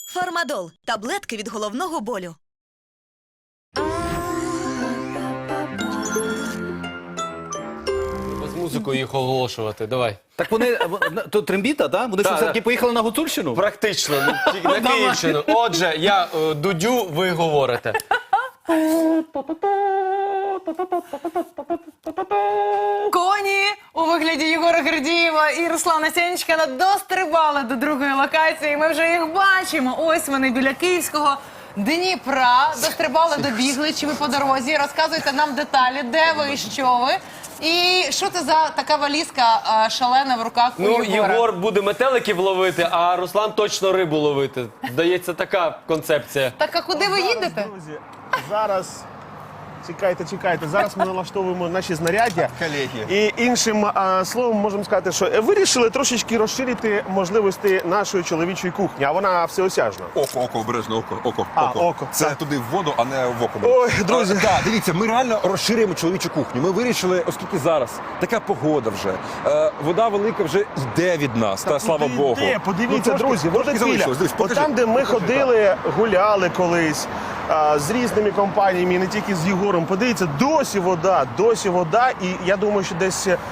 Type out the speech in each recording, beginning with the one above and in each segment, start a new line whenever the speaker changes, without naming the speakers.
Фармадол – таблетки від головного болю.
З музикою їх оголошувати, давай.
Так вони, то трембіта, так? Вони що,
Так,
все-таки
так.
поїхали на Гуцульщину?
Практично, тільки на Київщину. Отже, я дудю, ви говорите.
Коні у вигляді Єгора Гордієва і Руслана Сенчкіна дострибали до другої локації. Ми вже їх бачимо. Ось вони біля Київського Дніпра. Дострибали, добігли. Чи ви по дорозі? Розказуйте нам деталі, де ви і що ви. І що це за така валізка шалена в руках у
Ну,
Єгора?
Єгор буде метеликів ловити, а Руслан точно рибу ловити. Здається, така концепція.
Так, а куди ви їдете?
Друзі, зараз чекайте. Зараз ми налаштовуємо наші знаряддя.
Колеги.
І іншим словом можемо сказати, що вирішили трошечки розширити можливості нашої чоловічої кухні, а вона всеосяжна.
Око, обережно, око.
Око,
Це
так.
туди в воду, а не в око.
Ой, друзі.
Так, дивіться, ми реально розширюємо чоловічу кухню. Ми вирішили, оскільки зараз така погода вже, вода велика вже йде від нас, та слава Богу.
Подивіться,
Ну,
друзі,
трошки
водопіля.
залишилось. Дивись,
От
покажи.
там, де ми
Покажи,
ходили, гуляли колись з різними компаніями, не тільки з Єгором. Подивіться, досі вода, і я думаю, що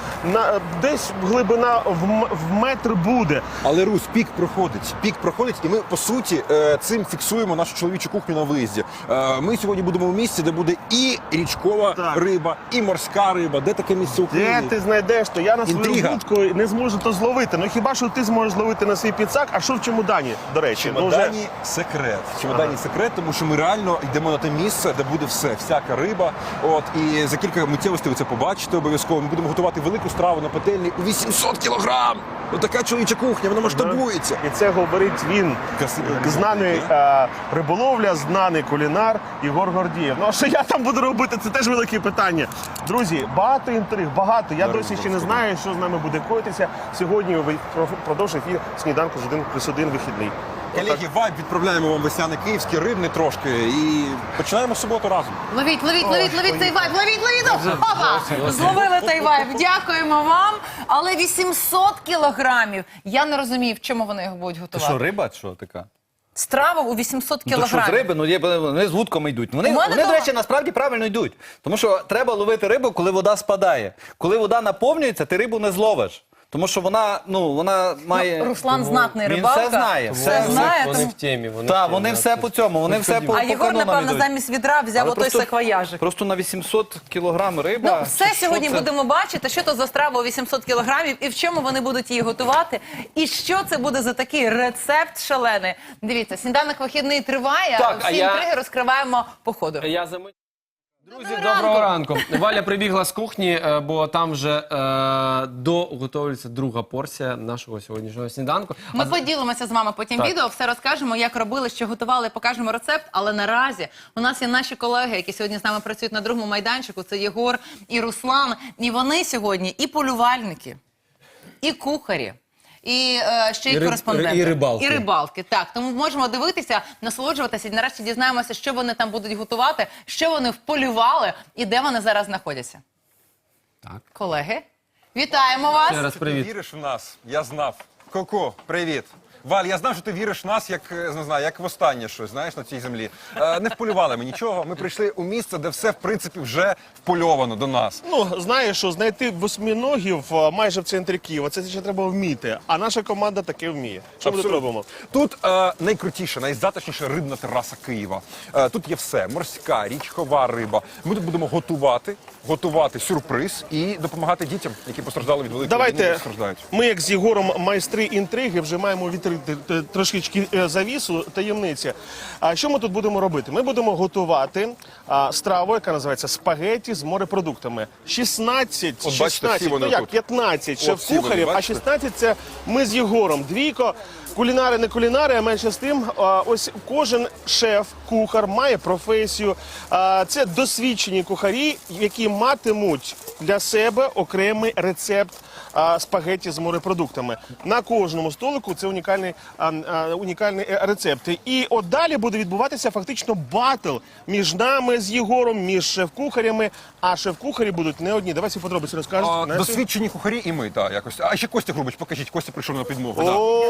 десь глибина в метр буде.
Але, Русь, пік проходить, і ми, по суті, цим фіксуємо нашу чоловічу кухню на виїзді. Ми сьогодні будемо в місці, де буде і річкова
Так.
риба, і морська риба. Де таке місце
Де
України?
ти знайдеш, то я на свою
Інтрига.
вудку не зможу то зловити. Ну хіба що ти зможеш зловити на свій підсак, а що в чемодані, до речі?
В чемодані секрет. В чемодані секрет, тому що ми реально йдемо на те місце, де буде все, всяка риба. От, і за кілька миттєвостей ви це побачите обов'язково. Ми будемо готувати велику страву на пательні у 800 кілограм. Ось така чоловіча кухня, вона масштабується.
І це говорить він,
Красивий.
знаний риболовля, знаний кулінар Єгор Гордієв. Ну а що я там буду робити, це теж велике питання. Друзі, багато інтриг, багато. Я досі ще не знаю, що з нами буде коїтися. Сьогодні впродовж ефір сніданку з 1+1 вихідний.
Колеги, вайб відправляємо вам весняний київський, рибний трошки. І починаємо суботу разом.
Ловіть цей вайб, ловіть! Опа! Зловили цей вайб, дякуємо вам. Але 800 кілограмів. Я не розумію, в чому вони їх будуть
Це
готувати.
що, риба, що така?
Страва у 800
Ну, то що з
кілограмів.
риби? Ну, вони з вудками йдуть. Вони,
мене
до
дома-
речі, насправді правильно йдуть. Тому що треба ловити рибу, коли вода спадає. Коли вода наповнюється, ти рибу не зловиш. Тому що вона має...
Руслан знатний
Він
рибалка.
все знає.
Все знає.
Вони
тому-
в темі.
Так, вони все по цьому, вони все по
А Єгор,
канонам
напевно,
йдуть.
замість відра взяв
Але
отой саквояжик.
Просто на 800 кілограм риба.
Ну, все
Що
сьогодні
це?
будемо бачити, що то за страва у 800 кілограмів і в чому вони будуть її готувати. І що це буде за такий рецепт шалений. Дивіться, сніданок вихідний триває,
Так,
а всі інтриги розкриваємо по ходу.
Я за мить. Друзі,
Доброго
доброго ранку. Валя прибігла з кухні, бо там вже доготовлюється друга порція нашого сьогоднішнього сніданку.
Ми поділимося з вами потім
Так.
відео, все розкажемо, як робили, що готували, покажемо рецепт. Але наразі у нас є наші колеги, які сьогодні з нами працюють на другому майданчику. Це Єгор і Руслан. І вони сьогодні і полювальники, і кухарі. І ще й кореспонденти.
і рибалки.
І рибалки, так. Тому можемо дивитися, насолоджуватися і нарешті дізнаємося, що вони там будуть готувати, що вони вполювали і де вони зараз знаходяться.
Так.
Колеги, вітаємо вас.
Ще раз
Ти
привіт.
віриш в нас? Я знав. Коко, привіт. Валь, я знав, що ти віриш в нас, як, не знаю, як в останнє щось, знаєш, на цій землі. Не вполювали ми нічого. Ми прийшли у місце, де все, в принципі, вже впольовано до нас.
Ну, знаєш, що знайти восьминогів майже в центрі Києва, це ще треба вміти. А наша команда таке вміє. Що ми тут
Абсолютно.
робимо?
Тут найкрутіша, найзатишніша рибна тераса Києва. Тут є все. Морська, річкова риба. Ми тут будемо готувати сюрприз і допомагати дітям, які постраждали від великої війни,
Давайте
страждають.
ми, як з Єгором, майстри інтриги, вже маємо відкрити трошечки завісу, таємниці. А що ми тут будемо робити? Ми будемо готувати страву, яка називається спагеті з морепродуктами. 16,
От бачите,
16,
всі вони
ну як,
тут.
15
От всі вони,
шеф-кухарів, а
бачите?
16 це ми з Єгором. Двійко. Кулінари, не кулінари, а менше з тим, ось кожен шеф-кухар має професію. Це досвідчені кухарі, які матимуть для себе окремий рецепт спагетті з морепродуктами. На кожному столику це унікальний рецепт. І от далі буде відбуватися фактично батл між нами з Єгором, між шеф-кухарями. А шеф-кухарі будуть не одні. Давай всі подробиці розкажеш. Настя?
Досвідчені кухарі і ми, так, якось. А ще Костя Грубич, покажіть, Костя прийшов на підмогу.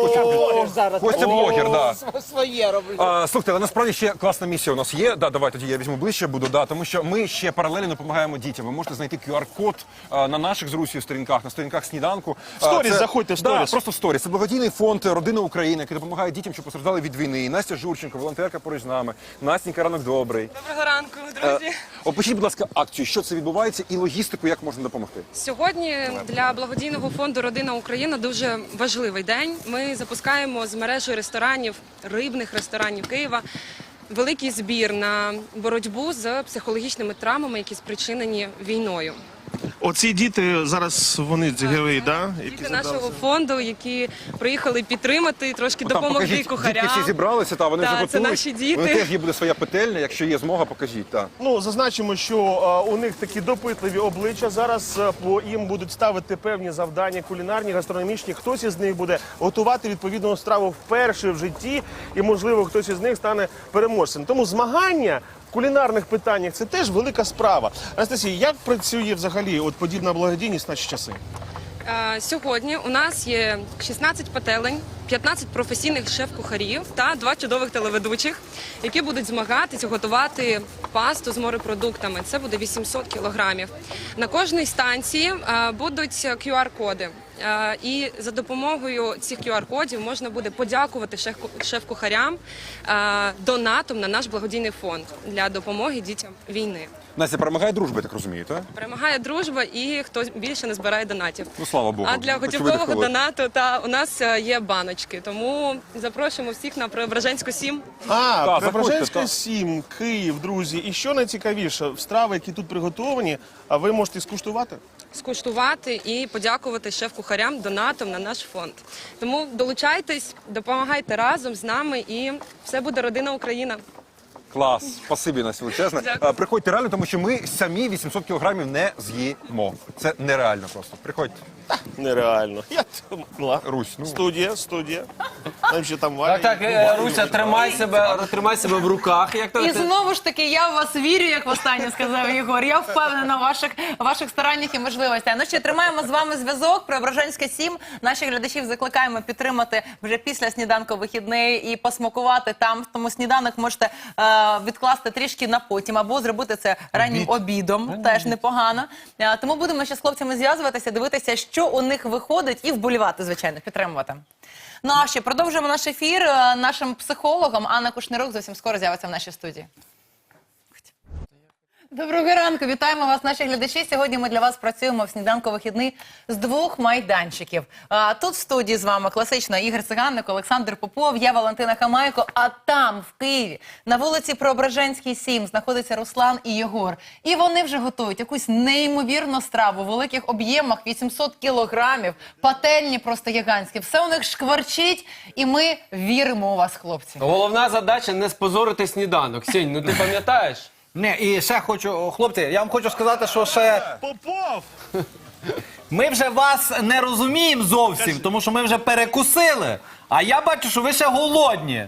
О,
Костя блогер, так.
Своє роблю.
Слухайте, але насправді ще класна місія у нас є. Давай тоді я візьму ближче, буду, тому що ми ще паралельно допомагаємо дітям. Ви можете знайти QR-код на наших з Русією сторінках, на сторінках сніданку.
В сторіс заходьте, в сторіс.
Просто в сторіс. Це благодійний фонд «Родина України», який допомагає дітям, що постраждали від війни. І Настя Журченко, волонтерка поруч з нами. Настенька, ранок добрий.
Доброго ранку, друзі.
Опишіть, будь ласка, акцію, що це відбувається і логістику, як можна допомогти.
Сьогодні для благодійного фонду «Родина Україна» дуже важливий день. Ми запускаємо з мережі ресторанів, рибних ресторанів Києва, великий збір на боротьбу з психологічними травмами, які спричинені війною.
оці діти зараз вони герої, да?
Діти нашого фонду, які приїхали підтримати, трошки допомогти
Покажіть,
кухарям.
дітки всі зібралися, вони
Так,
вже
це
готують.
наші діти.
Вони теж є буде своя петельня, якщо є змога, покажіть. Так.
Ну, зазначимо, що у них такі допитливі обличчя. Зараз їм будуть ставити певні завдання кулінарні, гастрономічні. Хтось із них буде готувати відповідну страву вперше в житті, і, можливо, хтось із них стане переможцем. Тому змагання в кулінарних питаннях – це теж велика справа. Анастасія, як працює взагалі от подібна благодійність в наші часи?
Сьогодні у нас є 16 пательень, 15 професійних шеф-кухарів та 2 чудових телеведучих, які будуть змагатися готувати пасту з морепродуктами. Це буде 800 кілограмів. На кожній станції будуть QR-коди. І за допомогою цих QR-кодів можна буде подякувати шеф-кухарям донатом на наш благодійний фонд для допомоги дітям війни.
Настя, перемагає дружба, я так розумію, так?
Перемагає дружба і хто більше не збирає донатів.
Ну, слава Богу.
А для готівкового донату у нас є баночки. Тому запрошуємо всіх на Преображенську 7.
Преображенська
заходьте,
7, Київ, друзі. І що найцікавіше, страви, які тут приготовані, а ви можете скуштувати?
Скуштувати і подякувати шеф-кухарям донатом на наш фонд. Тому долучайтесь, допомагайте разом з нами і все буде родина Україна.
Клас, спасибі, Настя, величезне.
Дякую.
Приходьте реально, тому що ми самі 800 кілограмів не з'їмо. Це нереально просто. Приходьте.
Нереально.
Русь, ну.
Студія. Там ще там Валя.
Так, Руся, тримай себе в руках. Як то
І
ти-
знову ж таки, я в вас вірю, як востаннє сказав Єгор. Я впевнена в ваших стараннях і можливостях. Ну ще тримаємо з вами зв'язок. Преображенська 7. Наших глядачів закликаємо підтримати вже після сніданку вихідний і посмакувати там. Тому сніданок можете відкласти трішки на потім або зробити це раннім обідом. Теж непогано. Тому будемо ще з хлопцями зв'язуватися, дивитися, що у них виходить, і вболівати, звичайно, підтримувати. Ну а ще продовжуємо наш ефір. Нашим психологом Анна Кушнирук зовсім скоро з'явиться в нашій студії. Доброго ранку, вітаємо вас, наші глядачі. Сьогодні ми для вас працюємо в сніданку вихідний з 2 майданчиків. Тут в студії з вами класично Ігор Циганник, Олександр Попов, я Валентина Хамайко, а там, в Києві, на вулиці Преображенській 7, знаходиться Руслан і Єгор. І вони вже готують якусь неймовірну страву в великих об'ємах, 800 кілограмів, пательні просто гігантські. Все у них шкварчить, і ми віримо у вас, хлопці.
Головна задача не спозорити сніданок. Сінь, ну ти пам'ятаєш?
Не, і ще хочу, хлопці, я вам хочу сказати, що ще
Попов!
ми вже вас не розуміємо зовсім, тому що ми вже перекусили, а я бачу, що ви ще голодні.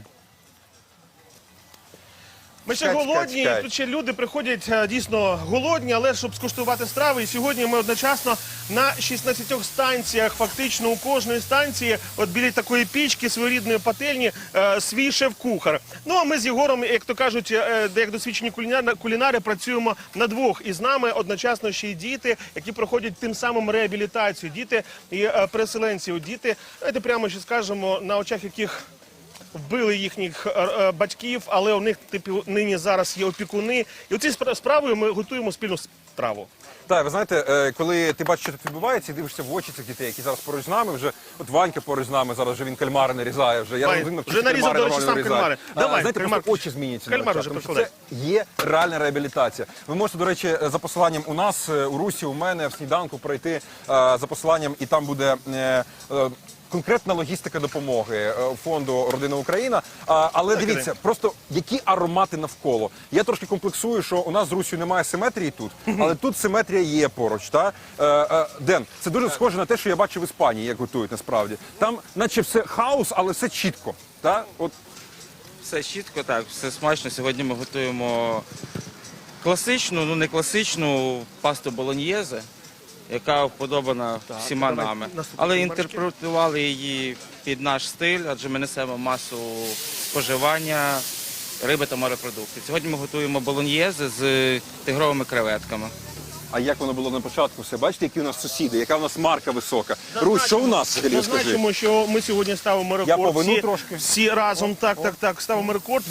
Ми ще
Чекай,
голодні,
чекай.
і тут ще люди приходять дійсно голодні, але щоб скуштувати страви. І сьогодні ми одночасно на 16 станціях, фактично у кожної станції, от біля такої пічки, своєрідної пательні, свій шеф-кухар. Ну а ми з Єгором, як то кажуть, як досвідчені кулінари, працюємо на 2. І з нами одночасно ще й діти, які проходять тим самим реабілітацію. Діти і переселенці. Діти, давайте прямо ще скажемо, на очах яких вбили їхніх батьків, але у них нині зараз є опікуни. І оці справою ми готуємо спільну страву.
Так, ви знаєте, коли ти бачиш, що тут відбувається, і дивишся в очі цих дітей, які зараз поруч з нами, вже от Ванька поруч з нами, зараз вже він кальмари нарізає. Вже
Вже нарізав, до речі, сам кальмари. Давай,
знаєте,
кальмар.
просто очі зміняться. на
Кальмар
очах,
вже
тому що
прикладай.
це є реальна реабілітація. Ви можете, до речі, за посиланням у нас, у Русі, у мене, в сніданку пройти за посиланням, і там буде конкретна логістика допомоги фонду «Родина Україна». Але дивіться, просто які аромати навколо. Я трошки комплексую, що у нас з Русію немає симетрії тут, але тут симетрія є поруч. Та? Ден, це дуже схоже на те, що я бачив в Іспанії, як готують насправді. Там наче все хаос, але все чітко. Та? От.
Все чітко, так, все смачно. Сьогодні ми готуємо класичну, ну не класичну пасту болоньєзе, яка вподобана всіма нами. Але інтерпретували її під наш стиль, адже ми несемо масу споживання риби та морепродуктів. Сьогодні ми готуємо болоньєзе з тигровими креветками.
А як воно було на початку все? Бачите, які у нас сусіди, яка у нас марка висока. Русь, що у нас взагалі, скажи?
Зазначимо, що ми сьогодні ставимо рекорд.
Я повину
всі,
трошки.
всі разом, так, ставимо рекорд.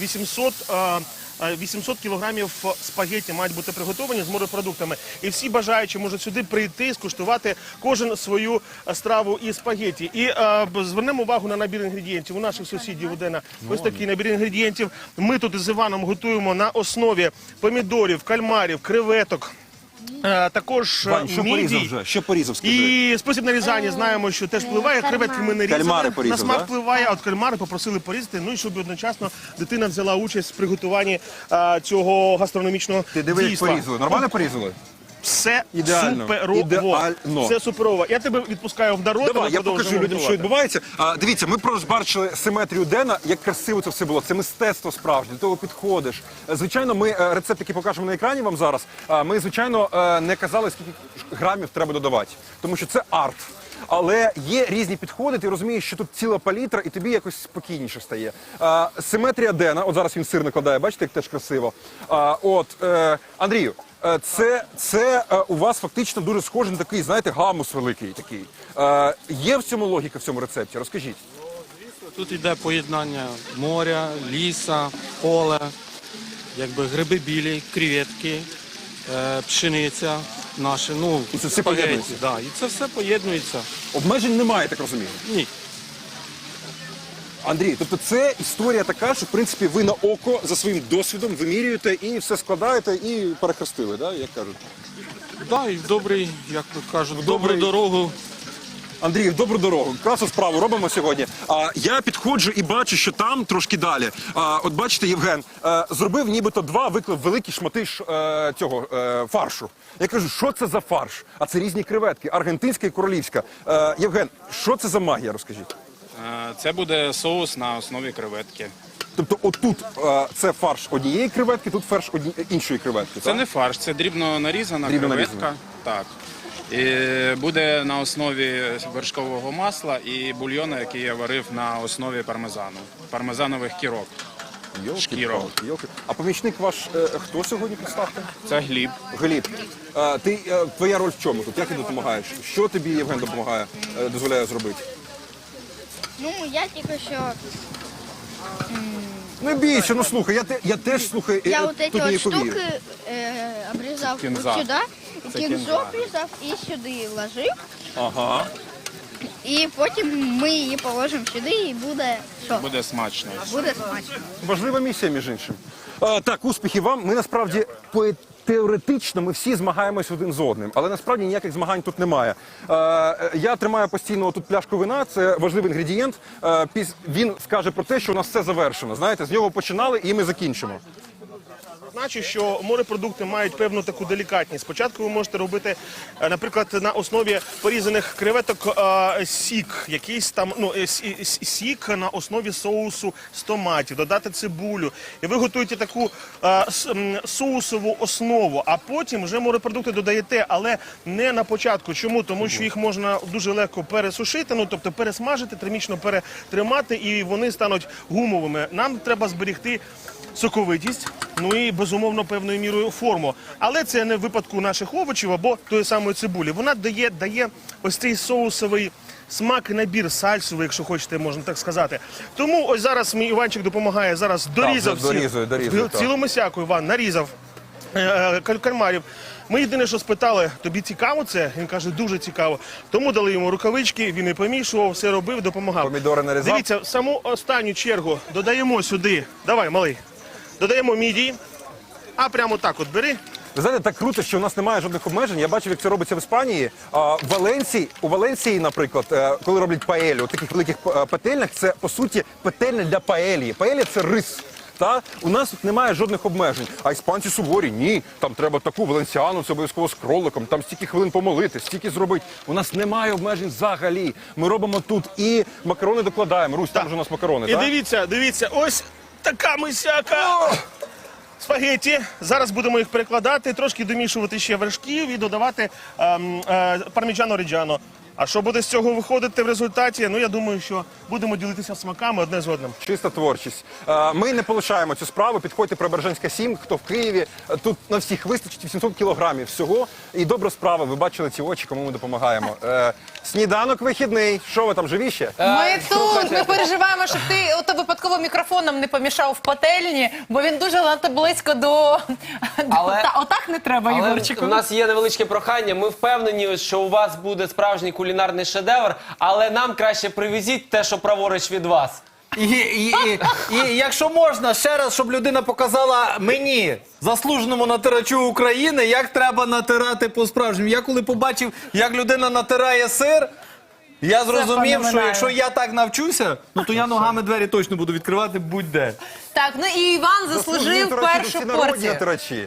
800 кілограмів спагетті мають бути приготовані з морепродуктами. І всі бажаючі можуть сюди прийти, скуштувати кожен свою страву із спагетті. І звернемо увагу на набір інгредієнтів. У наших сусідів у Дена ось такий набір інгредієнтів. Ми тут із Іваном готуємо на основі помідорів, кальмарів, креветок. Також
Вань, що порізав
мідій.
вже? Що порізав, скажи?
І спосіб нарізання знаємо, що теж впливає. Креветки ми не різали.
Кальмари
На
порізав,
смак
да?
впливає, а от кальмари попросили порізати. Ну і щоб одночасно дитина взяла участь в приготуванні цього гастрономічного
Ти диви, як
дійства.
порізали. Нормально порізали?
Все
Ідеально.
суперово.
Ідеально.
Все суперово. Я тебе відпускаю в дорогу.
Давай, я покажу людям, що відбувається. Дивіться, ми просто бачили симетрію Дена, як красиво це все було. Це мистецтво справжнє, до того підходиш. Звичайно, ми рецепт, який покажемо на екрані вам зараз, ми, звичайно, не казали, скільки грамів треба додавати, тому що це арт. Але є різні підходи, ти розумієш, що тут ціла палітра, і тобі якось спокійніше стає. Симетрія Дена, от зараз він сир накладає, бачите, як теж красиво. Андрію, це у вас фактично дуже схожий на такий, знаєте, гамус великий такий. Є в цьому логіка, в цьому рецепті? Розкажіть.
Тут йде поєднання моря, ліса, поле, якби гриби білі, креветки, пшениця наша, ну,
І це все
спагетті,
поєднується?
да, і це все поєднується.
Обмежень немає, так розумію?
Ні.
Андрій, тобто це історія така, що в принципі ви на око за своїм досвідом вимірюєте і все складаєте і перехрестили, да, як кажуть?
Да, і в добрий, як тут кажуть, в
добрий-
добру дорогу.
Андрій, в добру дорогу. Красу справу робимо сьогодні. Я підходжу і бачу, що там трошки далі. От бачите, Євген зробив нібито виклав великі шмати цього фаршу. Я кажу, що це за фарш? А це різні креветки, аргентинська і королівська. Євген, що це за магія, розкажіть?
Це буде соус на основі креветки.
Тобто отут це фарш однієї креветки, тут фарш іншої креветки.
Це
так?
не фарш, це дрібно нарізана
Дрібно
креветка.
нарізана.
Так. І буде на основі вершкового масла і бульйону, який я варив на основі пармезану. Пармезанових кірок. Шкірок.
Йолки. А помічник ваш хто сьогодні, представте?
Це Гліб.
Гліб, твоя роль в чому тут? Як ти допомагаєш? Що тобі Євген допомагає, дозволяє зробити?
Ну, я тільки що...
Не бійся, ну слухай, я теж слухай,
Я вот
тут
эти
не
вот
повірю.
штуки обрізав
Кінза.
от сюди,
Це
кінзу
кінза.
обрізав і сюди ложив.
Ага.
І потім ми її положимо сюди і буде що?
Буде смачно.
Буде смачно.
Важлива місія, між іншим. Так, успіхів вам. Ми насправді теоретично ми всі змагаємось один з одним, але насправді ніяких змагань тут немає. Я тримаю постійно тут пляшку вина, це важливий інгредієнт. Він скаже про те, що у нас все завершено. Знаєте, з нього починали і ми закінчимо.
Значить, що морепродукти мають певну таку делікатність. Спочатку ви можете робити, наприклад, на основі порізаних креветок сік, якийсь там, сік на основі соусу з томатів, додати цибулю. І ви готуєте таку соусову основу, а потім вже морепродукти додаєте, але не на початку. Чому? Тому що їх можна дуже легко пересушити, тобто пересмажити, термічно перетримати, і вони стануть гумовими. Нам треба зберегти соковитість, ну і, безумовно, певною мірою форму. Але це не в випадку наших овочів або тої самої цибулі. Вона дає ось цей соусовий смак і набір сальсовий, якщо хочете, можна так сказати. Тому ось зараз мій Іванчик допомагає, зараз дорізав
дорізує,
цілу мисяку, Іван, нарізав кальмарів. Ми єдине, що спитали, тобі цікаво це? Він каже, дуже цікаво. Тому дали йому рукавички, він і помішував, все робив, допомагав.
Помідори нарізав?
Дивіться, в саму останню чергу додаємо сюди, давай, малий, додаємо мідії, а прямо так от бери,
Ви знаєте, так круто, що у нас немає жодних обмежень. Я бачив, як це робиться в Іспанії. У Валенції, наприклад, коли роблять паелю, у таких великих пательнях, це, по суті, пательня для паелії. Паелія – це рис. Та? У нас тут немає жодних обмежень. А іспанці суворі, ні, там треба таку валенсіану, це обов'язково з кроликом, там стільки хвилин помолити, стільки зробити. У нас немає обмежень взагалі. Ми робимо тут і макарони докладаємо. Русь, там вже у нас макарони,
І
так?
дивіться, ось така мисяка спагетті. Зараз будемо їх перекладати, трошки домішувати ще вершків і додавати парміджано ріджано. А що буде з цього виходити в результаті? Ну, я думаю, що будемо ділитися смаками одне з одним.
Чиста творчість. Ми не полишаємо цю справу. Підходьте Преображенська 7, хто в Києві. Тут на всіх вистачить 800 кілограмів всього. І добра справа. Ви бачили ці очі, кому ми допомагаємо. Сніданок вихідний. Що ви там, живі ще?
Ми тут, ми переживаємо, щоб ти ото випадково мікрофоном не помішав в пательні, бо він дуже надто близько до... Отак не треба,
Але
Єгорчику.
у нас є невеличке прохання. Ми впевнені, що у вас буде справжній кулінарний шедевр, але нам краще привезіть те, що праворуч від вас.
І якщо можна, ще раз, щоб людина показала мені, заслуженому натирачу України, як треба натирати по-справжньому. Я коли побачив, як людина натирає сир, я зрозумів, що
феноменально.
якщо я так навчуся, ну то я ногами двері точно буду відкривати будь-де.
Так, ну і Іван заслужив першу порцію.
Натирачі.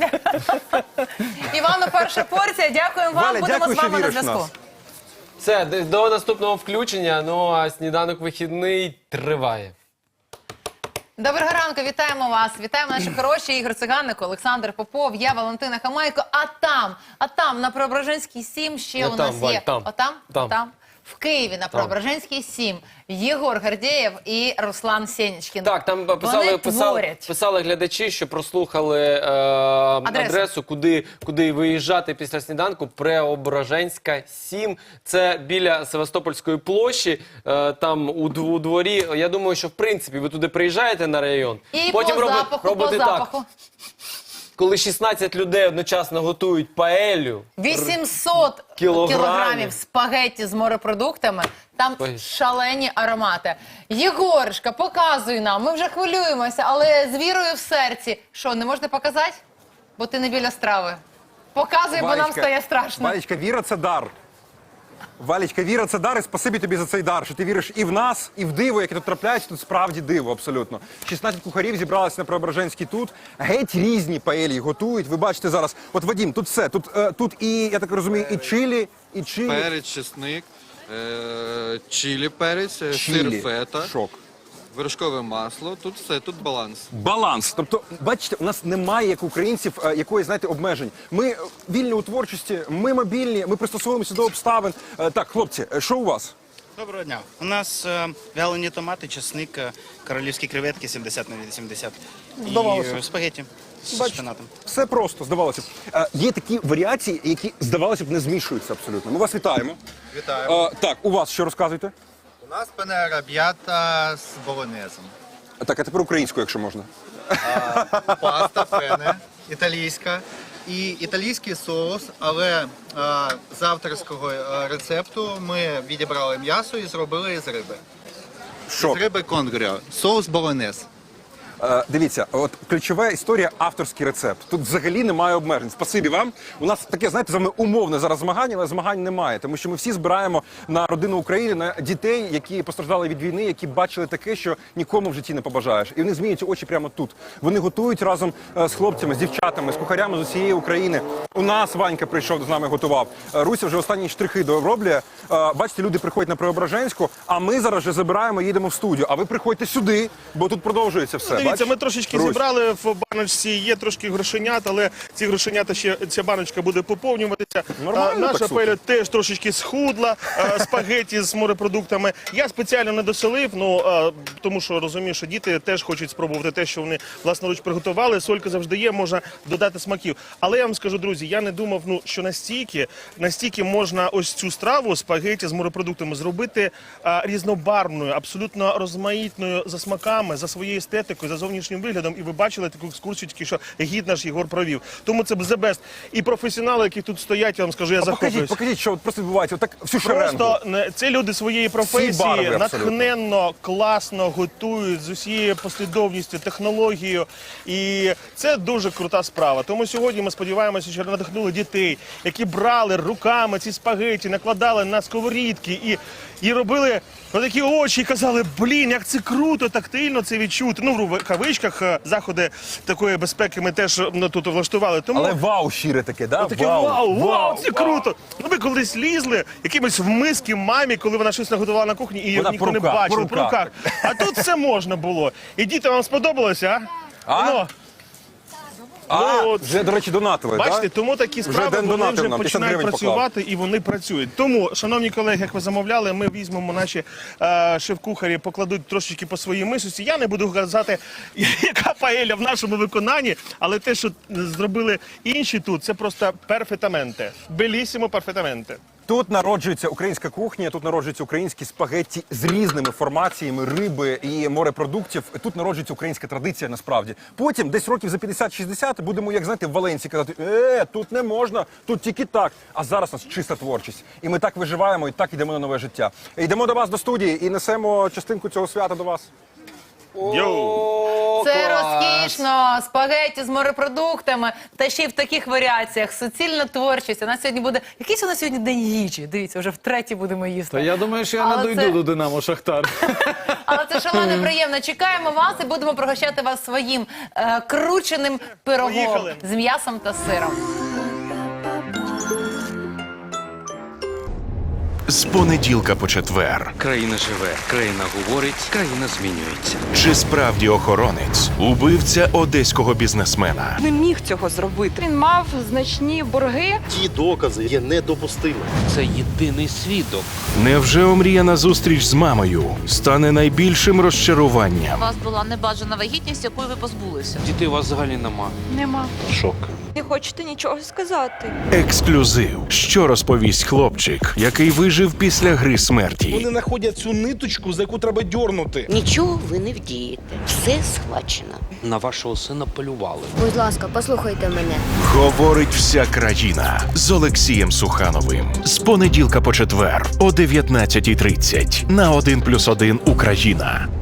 Івану, перша порція. Дякуємо вам,
Валя,
будемо
дякую,
з
що
вами на
віриш в
зв'язку.
нас.
Все, до наступного включення, ну а сніданок вихідний триває.
Доброго ранку, вітаємо вас. Вітаємо наші хороші Ігор Циганик, Олександр Попов, я Валентина Хамайко. А там на Преображенській 7 ще
Не
у нас
там, Валь,
є.
там.
Отам?
Там.
В Києві на Преображенській 7 Єгор Гордєєв і Руслан Сєнічкін.
Так, там
Вони творять.
писали глядачі, що прослухали адресу, куди виїжджати після сніданку. Преображенська 7. Це біля Севастопольської площі, там у дворі. Я думаю, що в принципі ви туди приїжджаєте на район.
І
потім
по
робите
запаху.
Коли 16 людей одночасно готують паелю.
800 кілограмів спагетті з морепродуктами. Там шалені аромати. Єгоришка, показуй нам. Ми вже хвилюємося, але з вірою в серці. Що, не можна показати? Бо ти не біля страви. Показуй, бо нам стає страшно.
Валечка, віра – це дар. Валечка, віра – це дар, і спасибі тобі за цей дар, що ти віриш і в нас, і в диво, яке тут трапляється, тут справді диво, абсолютно. 16 кухарів зібралися на Преображенській тут, геть різні паелії готують, ви бачите зараз, от Вадим, тут все, тут і, я так розумію, і чилі,
Перець, чесник, чилі перець, сир фета, вершкове масло, тут все, тут баланс.
Баланс. Тобто, бачите, у нас немає, як українців, якоїсь, знаєте, обмежень. Ми вільні у творчості, ми мобільні, ми пристосовуємося до обставин. Так, хлопці, що у вас?
Доброго дня. У нас вялені томати, чесник, королівські креветки 70 на 80
Здавалося.
і спагетті з
Бачите,
шпинатом.
все просто, здавалося б. Є такі варіації, які, здавалося б, не змішуються абсолютно. Ми вас вітаємо.
Вітаємо.
Так, у вас що розказуєте?
У нас пене араб'ята з болонезом.
Так, а тепер українською, якщо можна.
Паста пене, італійська. І італійський соус, але з авторського рецепту ми відібрали м'ясо і зробили із риби.
Що?
З риби конгріо. Соус болонез.
Дивіться, от ключова історія – авторський рецепт. Тут взагалі немає обмежень. Спасибі вам. У нас таке, знаєте, з вами умовне зараз змагання, але змагань немає. Тому що ми всі збираємо на родину України, на дітей, які постраждали від війни, які бачили таке, що нікому в житті не побажаєш. І вони змінюються очі прямо тут. Вони готують разом з хлопцями, з дівчатами, з кухарями з усієї України. У нас Ванька прийшов, з нами готував. Руся вже останні штрихи дороблює. Бачите, люди приходять на Преображенську, а ми зараз вже забираємо, їдемо в студію. А ви приходьте сюди, бо тут продовжується все.
Дивіться, ми трошечки зібрали в баночці, є трошки грошенят, але ці грошенята ще, ця баночка буде поповнюватися. Наша паеля теж трошечки схудла, спагеті з морепродуктами. Я спеціально не доселив, тому що розумію, що діти теж хочуть спробувати те, що вони власноруч приготували. Солька завжди є, можна додати смаків. Але я вам скажу, друзі, я не думав, що настільки можна ось цю страву, спагеті з морепродуктами, зробити різнобарвною, абсолютно розмаїтною за смаками, за своєю естетикою, за за зовнішнім виглядом, і ви бачили таку екскурсію, тільки що гід наш Єгор провів. Тому це the best. І професіонали, які тут стоять, я вам скажу, я захоплююсь.
Покажіть, що от просто відбувається. Отак всю шеренгу.
Просто це люди своєї професії
барви абсолютно.
натхненно, класно готують з усією послідовністю, технологією. І це дуже крута справа. Тому сьогодні ми сподіваємося, що надихнули дітей, які брали руками ці спагеті, накладали на сковорідки і робили такі очі і казали, блін, як це круто, тактильно це відчути. Ну, в кавичках заходи такої безпеки ми теж тут влаштували. Тому...
Але вау щире таке, да?
Таке вау, це круто. Ну, ми колись лізли якимось в миски мамі, коли вона щось наготувала на кухні, і її
Вона
ніхто не
по руках,
бачив.
по руках.
А тут все можна було. І діти, вам сподобалося, а? Ну,
вже, до речі, донатили,
бачите,
да?
тому такі справи
Ден
вони
донатив
вже
нам, 50
починають
гривень
працювати і вони працюють. Тому, шановні колеги, як ви замовляли, ми візьмемо наші шеф-кухарі, покладуть трошечки по своїй мисці. Я не буду казати, яка паеля в нашому виконанні, але те, що зробили інші тут, це просто перфетаменте. Белісімо перфетаменте.
Тут народжується українська кухня, тут народжуються українські спагетті з різними формаціями риби і морепродуктів. Тут народжується українська традиція, насправді. Потім, десь років за 50-60, будемо, як знаєте, в Валенсії казати, тут не можна, тут тільки так. А зараз у нас чиста творчість. І ми так виживаємо, і так йдемо на нове життя. Йдемо до вас до студії і несемо частинку цього свята до вас.
Це розкішно, спагетті з морепродуктами, та ще й в таких варіаціях. Суцільна творчість. У нас сьогодні буде... Якийсь у нас сьогодні день їжі. Дивіться, вже втретє будемо їсти.
Та я думаю, що я
Але
не дойду до Динамо Шахтар.
Але це шалено приємно. Чекаємо вас і будемо пригощати вас своїм крученим пирогом
Поїхали.
з м'ясом та сиром.
З понеділка по четвер.
Країна живе, країна говорить, країна змінюється.
Чи справді охоронець убивця одеського бізнесмена?
Не міг цього зробити.
Він мав значні борги.
Ті докази є недопустимими.
Це єдиний свідок.
Невже омріяна зустріч з мамою стане найбільшим розчаруванням?
У вас була небажана вагітність, якої ви позбулися.
Дітей у вас взагалі нема.
Нема.
Шок.
Не хочете нічого сказати.
Ексклюзив. Що розповість хлопчик, який вижив після гри смерті?
знаходять цю ниточку, за яку треба дьорнути.
Нічого ви не вдієте. Все схвачено.
На вашого сина полювали.
Будь ласка, послухайте мене.
Говорить вся країна з Олексієм Сухановим. З понеділка по четвер о 19:30 на 1+1 Україна.